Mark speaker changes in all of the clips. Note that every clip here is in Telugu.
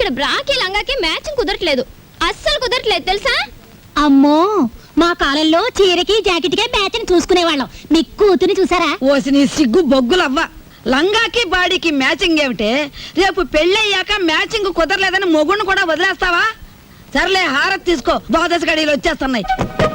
Speaker 1: ఇక్కడ బ్రాకి లంగాకి మ్యాచింగ్ కుదరట్లేదు, అస్సలు కుదరట్లేదు తెలుసా?
Speaker 2: అమ్మో, మా కాలంలో చీరకి జాకెట్కే మ్యాచింగ్ చూసుకునేవాళ్ళం. మీ కూతుని చూసారా?
Speaker 3: ఓసి నీ సిగ్గు బొగ్గులవ్వ, లంగాకి బాడీకి మ్యాచింగ్ ఏమిటే? రేపు పెళ్ళయ్యాక మ్యాచింగ్ కుదరలేదని మొగుణ్ణి కూడా వదిలేస్తావా? సర్లే, హారతి తీసుకో, ద్వాదశ గడియలు వచ్చేస్తున్నాయి.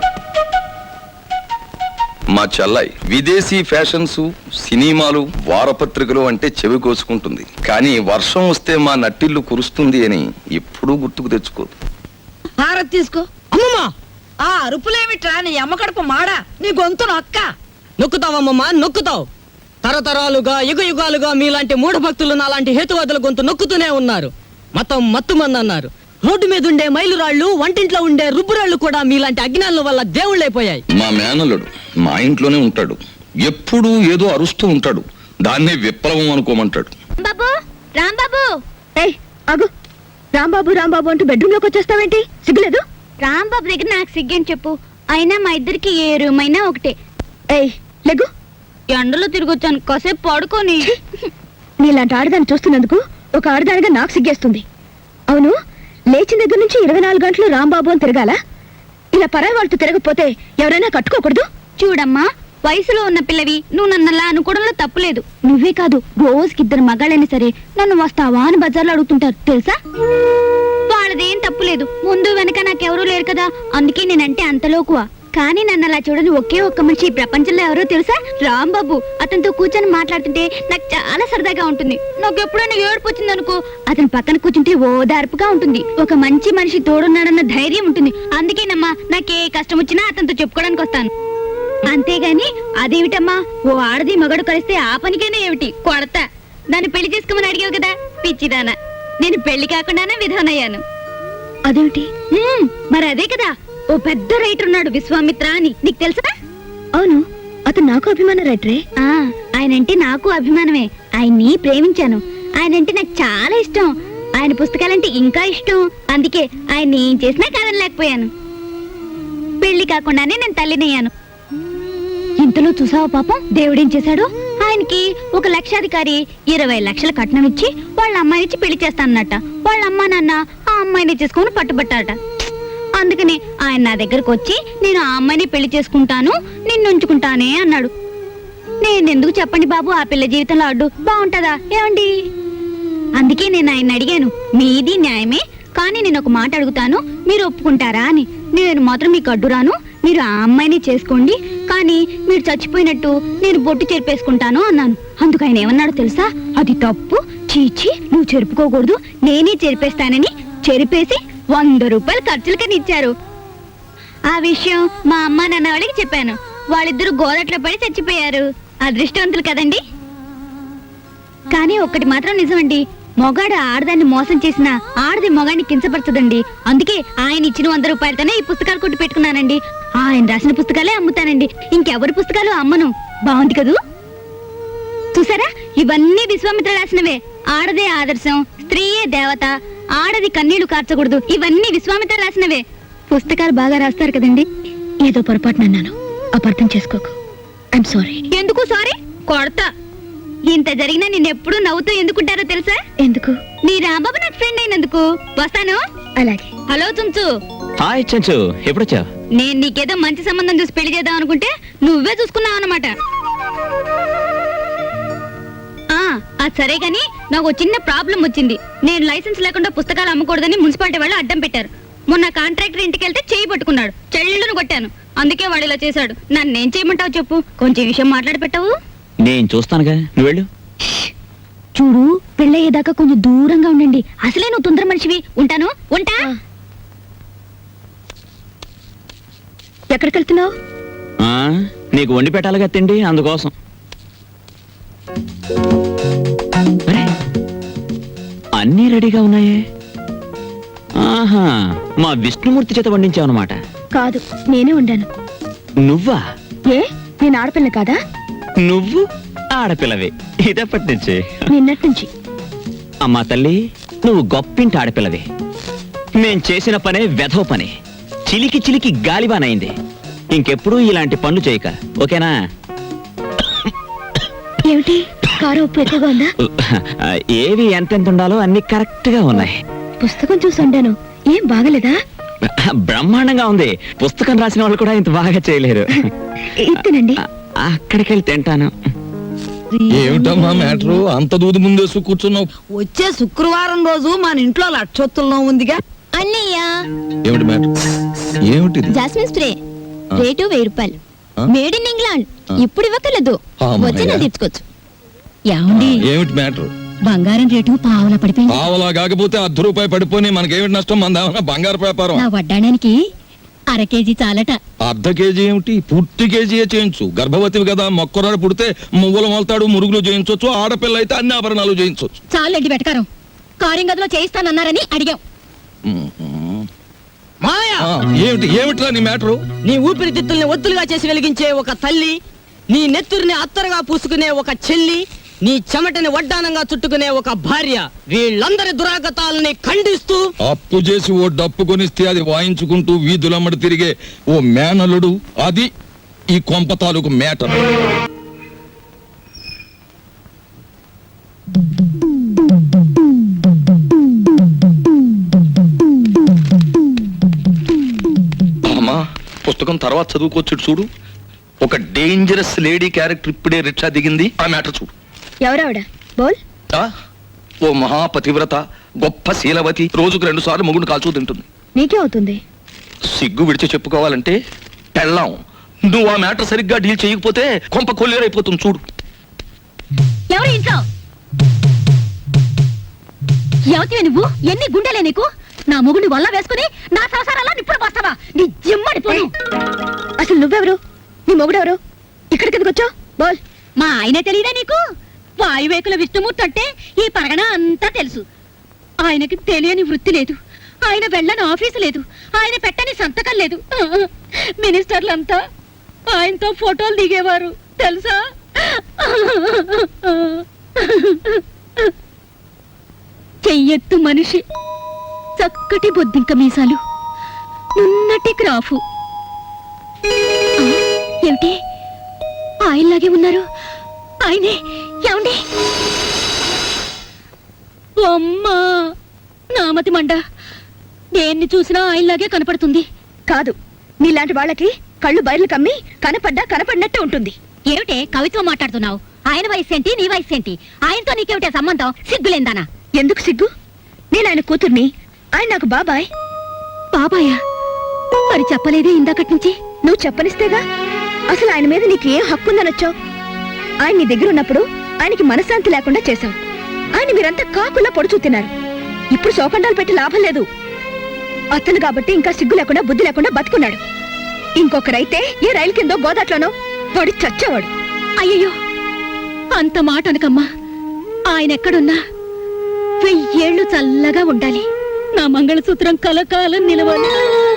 Speaker 4: మా చెల్లాయి విదేశీ ఫ్యాషన్స్, సినిమాలు, వారపత్రికలు అంటే చెవి కోసుకుంటుంది, కానీ వర్షం వస్తే మా నట్టిల్లు కురుస్తుంది అని ఎప్పుడూ గుర్తుకు తెచ్చుకోదు.
Speaker 3: హారతి తీసుకో.
Speaker 5: అమ్మమ్మా,
Speaker 3: ఆ అరుపులేమిట్రా? నీ అమ్మ కడుపు మాడా, నీ గొంతు నొక్క.
Speaker 5: నొక్కుతావమ్మమ్మా, నొక్కుతావు. తరతరాలుగా యుగాలుగా మీలాంటి మూఢ భక్తులు నాలాంటి హేతువాదుల గొంతు నొక్కుతూనే ఉన్నారు. మతం మత్తుమంది అన్నారు. రోడ్డు మీద ఉండే మైలురాళ్లు, వంటింట్లో ఉండే రుబ్బురాళ్లు కూడా మీలాంటి అజ్ఞానుల వల్ల దేవుళ్ళైపోయాయి.
Speaker 4: మా మేనల్లుడు మా ఇంట్లోనే ఉంటాడు, ఎప్పుడూ ఏదో అరుస్తూ ఉంటాడు, దాన్నే విప్లవం అనుకోమంటాడు.
Speaker 1: బాబు, రాంబాబు.
Speaker 2: ఏయ్ ఆగు, రాంబాబు రాంబాబు అంటూ బెడ్రూమ్ లోకి వచ్చేస్తావేంటి? సిగ్గులేదు?
Speaker 1: రాంబాబు దగ్గర నాకు సిగ్గని చెప్పు, అయినా మా ఇద్దరికి ఏ రూమ్ అయినా ఒకటే.
Speaker 2: ఏయ్ లెగ్గు.
Speaker 1: ఎండలో తిరిగొచ్చాను, కాసేపు పడుకొని.
Speaker 2: నీలాంటి ఆడదాన్ని చూస్తున్నందుకు ఒక ఆడదానిగా నాకు సిగ్గేస్తుంది. అవును, లేచిన దగ్గర నుంచి 24 గంటలు రాంబాబు అని తిరగాల? ఇలా పరాయి వాళ్ళతో తిరగకపోతే ఎవరైనా కట్టుకోకూడదు?
Speaker 1: చూడమ్మా, వయసులో ఉన్న పిల్లవి నువ్వు నన్నలా అనుకోవడంలో తప్పులేదు.
Speaker 2: నువ్వే కాదు, రోజుకి 2 మగాళ్ళైనా సరే నన్ను వస్తావా అని బజార్లో అడుగుతుంటారు తెలుసా?
Speaker 1: వాళ్ళదేం తప్పులేదు, ముందు వెనక నాకెవరూ లేరు కదా, అందుకే నేనంటే అంతలోకువా. కానీ నన్ను అలా చూడని ఒకే ఒక్క మనిషి ఈ ప్రపంచంలో ఎవరో తెలుసా? రాంబాబు. అతనితో కూర్చొని మాట్లాడుతుంటే నాకు చాలా సరదాగా ఉంటుంది. నాకు ఎప్పుడైనా ఏడుపు వచ్చిందనుకో, అతని పక్కన కూర్చుంటే ఓదార్పుగా ఉంటుంది. ఒక మంచి మనిషి తోడున్నాడన్న ధైర్యం ఉంటుంది. అందుకేనమ్మా నాకే కష్టం వచ్చినా అతనితో చెప్పుకోవడానికి వస్తాను. అంతేగాని అదేమిటమ్మా, ఓ ఆడది మగడు కలిస్తే ఆ పనికైనా ఏమిటి కొడతా. నన్ను పెళ్లి చేసుకోమని అడిగావు కదా పిచ్చిదానా, నేను పెళ్లి కాకుండానే విధవనయ్యాను.
Speaker 2: అదేమిటి?
Speaker 1: మరి అదే కదా, ఓ పెద్ద రైటర్ ఉన్నాడు విశ్వామిత్ర అని, నీకు తెలుసా?
Speaker 2: అవును, అతను నాకు అభిమాన రైటరే.
Speaker 1: ఆయనంటే నాకు అభిమానమే. ఆయన్ని ప్రేమించాను. ఆయనంటే నాకు చాలా ఇష్టం. ఆయన పుస్తకాలంటే ఇంకా ఇష్టం. అందుకే ఆయన ఏం చేసినా కాదనలేకపోయాను. పెళ్లి కాకుండానే నేను తల్లినయ్యాను. ఇంతలో చూసావా పాపం దేవుడేం చేశాడు? ఆయనకి ఒక లక్షాధికారి 20 లక్షల కట్నం ఇచ్చి వాళ్ళ అమ్మాయినిచ్చి పెళ్లి చేస్తానన్నట. వాళ్ళ అమ్మా నాన్న ఆ అమ్మాయిని చేసుకుని పట్టుబట్టారట. అందుకని ఆయన నా దగ్గరకు వచ్చి నేను ఆ అమ్మాయిని పెళ్లి చేసుకుంటాను, నిన్ను ఉంచుకుంటానే అన్నాడు. నేనెందుకు చెప్పండి బాబు ఆ పిల్ల జీవితంలో అడ్డు? బాగుంటదా ఏమండి? అందుకే నేను ఆయన అడిగాను, మీది న్యాయమే, కానీ నేను ఒక మాట అడుగుతాను, మీరు ఒప్పుకుంటారా అని. నేను మాత్రం మీకు అడ్డురాను, మీరు ఆ అమ్మాయిని చేసుకోండి, కానీ మీరు చచ్చిపోయినట్టు నేను బొట్టు చెరిపేసుకుంటాను అన్నాను. అందుకు ఆయన ఏమన్నాడు తెలుసా? అది తప్పు, చీచి నువ్వు చెరుపుకోకూడదు, నేనే చెరిపేస్తానని చెరిపేసి 100 రూపాయలు ఖర్చులకని ఇచ్చారు. ఆ విషయం మా అమ్మ నాన్న వాళ్ళకి చెప్పాను. వాళ్ళిద్దరూ గోదట్లో పడి చచ్చిపోయారు. అదృష్టవంతులు కదండి. కానీ ఒక్కటి మాత్రం నిజమండి, మొగాడు ఆడదాన్ని మోసం చేసినా ఆడది మొగాడిని కించపరచదండి. అందుకే ఆయన ఇచ్చిన 100 రూపాయలతోనే ఈ పుస్తకాలు కొట్టి పెట్టుకున్నానండి. ఆయన రాసిన పుస్తకాలే అమ్ముతానండి, ఇంకెవరి పుస్తకాలు అమ్మను. బాగుంది కదూ? చూసారా, ఇవన్నీ విశ్వామిత్ర రాసినవే. ఆడదే ఆదర్శం, స్త్రీయే దేవత, ఆడది కన్నీళ్లు కార్చకూడదు, ఇవన్నీ విశ్వామిత్ర రాసినవే. పుస్తకాలు బాగా రాస్తారు కదండి.
Speaker 2: ఏదో పొరపాటు నన్నాను, అపార్థం చేసుకోకు. I'm sorry.
Speaker 1: ఎందుకు సారీ? కొడతా. ఇంత జరిగినా నిన్నెప్పుడు నవ్వుతూ ఎందుకుంటారో తెలుసా?
Speaker 2: ఎందుకు?
Speaker 1: నీ రాంబాబు నాకు ఫ్రెండ్ అయినందుకు. వస్తాను.
Speaker 2: అలాగే.
Speaker 1: హలో చుంచు.
Speaker 6: హాయ్ చెంచు, ఎప్పుడొచ్చా?
Speaker 1: నేను నీకేదో మంచి సంబంధం చూసి పెళ్లి చేద్దాం అనుకుంటే నువ్వే చూసుకున్నావు అన్నమాట. అది సరే గాని నాకు చిన్న ప్రాబ్లం వచ్చింది. నేను లైసెన్స్ లేకుండా పుస్తకాలు అమ్మకూడదని మున్సిపాలిటీ వాళ్ళు అడ్డం పెట్టారు. మొన్న కాంట్రాక్టర్ ఇంటికి వెళ్తే చేయి పట్టుకున్నాడు, చెల్లెళ్ళను కొట్టాను. అందుకే వాడు ఇలా చేశాడు. నన్నేం చేయమంటావు చెప్పు? కొంచెం విషయం మాట్లాడి పెట్టావు.
Speaker 6: నేను చూస్తానుగా, నువ్వు వెళ్ళు.
Speaker 2: చూడు, పెళ్ళయ్యేదాకా కొంచెం దూరంగా ఉండండి.
Speaker 1: అసలే నువ్వు తొందర మనిషివి. ఉంటాను, ఉంటా.
Speaker 2: ఎక్కడికి వెళ్తున్నావు?
Speaker 6: నీకు వండి పెట్టాలిగా తిండి, అందుకోసం. అన్నీ రెడీగా ఉన్నాయే. ఆహా, మా విష్ణుమూర్తి చేత వండించావన్నమాట.
Speaker 2: కాదు, నేనే వండాను.
Speaker 6: నువ్వా?
Speaker 2: ఏ, నేను ఆడపిల్ల కాదా?
Speaker 6: నువ్వు ఆడపిల్లవే ఇదప్పటి నుంచి.
Speaker 2: నిన్నటి నుంచి.
Speaker 6: అమ్మా తల్లి, నువ్వు గొప్పింటి ఆడపిల్లవే. మేం చేసిన పనే వెధవ పని, చిలికి చిలికి గాలిబానైంది. ఇంకెప్పుడు ఇలాంటి పనులు చేయక, ఓకేనా?
Speaker 2: ఏమిటి, కారు ఉప్పు ఎక్కువగా ఉందా?
Speaker 6: ఏవి ఎంతెంత ఉండాలో అన్ని కరెక్ట్ గా ఉన్నాయి.
Speaker 2: పుస్తకం చూసి ఉండాను. ఏం బాగలేదా?
Speaker 6: బ్రహ్మాండంగా ఉంది. పుస్తకం రాసిన వాళ్ళు కూడా ఇంత బాగా చేయలేరు.
Speaker 2: ఇత్తనండి.
Speaker 6: అక్కడికి వెళ్ళి తింటాను.
Speaker 4: ఏమిటమ్మా మ్యాటరు? అంత దూది ముందేసు కూర్చున్నావు.
Speaker 3: వచ్చే శుక్రవారం రోజు మన ఇంట్లో లక్షొత్తుల్లో ఉందిగా.
Speaker 1: అన్నయ్య
Speaker 4: ఏమిటి మ్యాటర్? ఏమిటిది?
Speaker 1: జాస్మిన్ స్ప్రే రేటు 1000 రూపాయలు.
Speaker 4: ఆ?
Speaker 1: Made in England. ఇప్పుడు ఇవ్వకలేదు,
Speaker 4: అమ్మయ్య.
Speaker 1: వచ్చి నేను తీర్చుకోవచ్చు. ఏమండి,
Speaker 4: ఏమిటి మ్యాటర్?
Speaker 1: బంగారం రేటు పావుల పడిపోయింది.
Speaker 4: పావలా కాకపోతే ₹10 పడిపోయి మనకేమిటి నష్టం? మనదేమన్నా బంగారు వ్యాపారం?
Speaker 1: నా వడ్డాడానికి 1/2 కేజీ చాలట.
Speaker 4: ½ కేజీ ఏమిటి? పూర్తి కేజీయే చేయించు. గర్భవతివి కదా, మొక్కరాడు పుడితే మువ్వలు మొలతాడు, మురుగులు చేయించవచ్చు. ఆడపిల్ల అయితే అన్ని ఆభరణాలు చేయించవచ్చు.
Speaker 1: చాలండి వెటకారం. కారింగదిలో చేయిస్తానన్నారని అడిగాం.
Speaker 5: మాయా,
Speaker 4: ఏమిట్రా నీ మ్యాటరు?
Speaker 5: నీ ఊపిరితిత్తుల్ని ఒత్తులుగా చేసి వెలిగించే ఒక తల్లి, నీ నెత్తురిని అత్తరుగా పూసుకునే ఒక చెల్లి, నీ చెమటని వడ్డానంగా చుట్టుకునే ఒక భార్య, వీళ్ళందరి దురాగతాలని ఖండిస్తూ
Speaker 4: అప్పు చేసి ఓ డప్పు కొనిస్తే అది వాయించుకుంటూ వీధులమ్మడి తిరిగే ఓ మేనలుడు, అది ఈ కొంప తాలూకు మేటర్. అమ్మా, పుస్తకం తర్వాత చదువుకోవచ్చు. చూడు, ఒక డేంజరస్ లేడీ క్యారెక్టర్ ఇప్పుడే రిక్షా దిగింది. ఆ మ్యాటర్ చూడు.
Speaker 2: ఎవరావిడ? బోల్.
Speaker 4: ఆ? ఓ మహాపతివ్రత, గొప్ప శీలవతి, రోజుకు 2 సార్లు మొగుడు కాల్చూ తింటుంది.
Speaker 2: నీకే అవుతుంది.
Speaker 4: సిగ్గు విడిచి చెప్పుకోవాలంటే పెళ్ళాం. నువ్వు ఆ మ్యాటర్ సరిగ్గా డీల్ చేయకపోతే కొంప కొల్లేరైపోతుంది. చూడు.
Speaker 1: ఎవరు ఇంట్లో? ఎవతివే నువ్వు? ఎన్ని గుండెలే నీకు? నా మొగుడిని వల్ల వేసుకుని నా సంసారాల్లో నిప్పుడు పోస్తావా? నీ జిమ్మడి పోను.
Speaker 2: అసలు నువ్వెవరు? నీ మొగుడెవరు? ఇక్కడికి ఎందుకు వచ్చావు? బోల్.
Speaker 1: మా ఆయనే తెలియదా నీకు? వాయువేకుల విష్ణుమూర్తి అంటే ఈ పరగణ అంతా తెలుసు. ఆయనకి తెలియని వృత్తి లేదు, ఆయన వెళ్ళని ఆఫీసు లేదు, ఆయన పెట్టని సంతకం లేదు. మినిస్టర్లంతా ఆయనతో ఫోటోలు దిగేవారు తెలుసా? చెయ్యెత్తు మనిషి, చక్కటి బొద్దింక మీసాలు, నున్నటి క్రాఫు. ఏమిటి ఆయనలాగే ఉన్నారు? ఆయనే. ఏమండి? అమ్మా, నామతి మండ. దేన్ని చూసినా ఆయనలాగే కనపడుతుంది.
Speaker 2: కాదు, నీలాంటి వాళ్ళకి కళ్ళు బయర్లు కమ్మి కనపడినట్టు ఉంటుంది.
Speaker 1: ఏమిటే కవిత్వం మాట్లాడుతున్నావు? ఆయన వయసు ఏంటి, నీ వయసు ఏంటి? ఆయనతో నీకేమిటే సంబంధం? సిగ్గులేందానా?
Speaker 2: ఎందుకు సిగ్గు? నేను ఆయన కూతుర్ని, ఆయన నాకు బాబాయ్.
Speaker 1: బాబాయా? మరి చెప్పలేదే ఇందాకటి నుంచి?
Speaker 2: నువ్వు చెప్పనిస్తేగా. అసలు ఆయన మీద నీకు ఏం హక్కు ఉందనొచ్చావు? ఆయన నీ దగ్గర ఉన్నప్పుడు ఆయనకి మనశ్శాంతి లేకుండా చేశావు. ఆయన మీరంతా కాకులా పొడుచూ తిన్నారు. ఇప్పుడు శోకండాలు పెట్టి లాభం లేదు. అతను కాబట్టి ఇంకా సిగ్గు లేకుండా బుద్ధి లేకుండా బతుకున్నాడు. ఇంకొకరైతే ఏ రైలు కిందో గోదాట్లోనో వాడు చచ్చేవాడు.
Speaker 1: అయ్యయ్యో, అంత మాట అనకమ్మా. ఆయన ఎక్కడున్నా 1000 ఏళ్ళు చల్లగా ఉండాలి. నా మంగళసూత్రం కలకాలం నిలవాలి.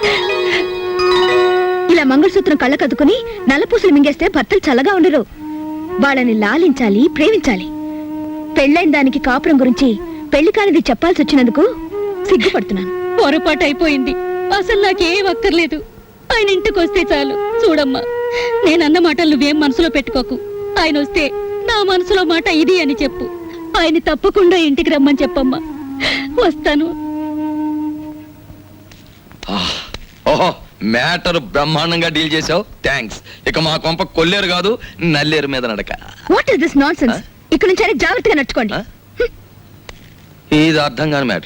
Speaker 2: ఇలా మంగళసూత్రం కళ్ళకద్దుకుని నల్లపూసలు మింగేస్తే భర్తలు చల్లగా ఉండరు. వాళ్ళని లాలించాలి, ప్రేమించాలి. పెళ్ళైన దానికి కాపురం గురించి పెళ్లి కానిది చెప్పాల్సి వచ్చినందుకు సిగ్గుపడుతున్నాను.
Speaker 1: పొరపాటు అయిపోయింది. అసలు నాకేం అక్కర్లేదు. ఆయన ఇంటికి వస్తే చాలు. చూడమ్మా, నేనన్న మాటలు నువ్వేం మనసులో పెట్టుకోకు. ఆయన వస్తే నా మనసులో మాట ఇది అని చెప్పు. ఆయన తప్పకుండా ఇంటికి రమ్మని చెప్పమ్మా. వస్తాను.
Speaker 4: ఓహో, మ్యాటర్ బ్రహ్మాండంగా డీల్ చేసావు. థ్యాంక్స్. ఇక మా కొంప కొల్లేరు కాదు, నల్లేరు మీద నడక.
Speaker 2: What is this nonsense? ఇక్కడ నుంచి ఆయన జాగ్రత్తగా నడుచుకోండి.
Speaker 4: ఇది అర్థం కాని మ్యాటర్.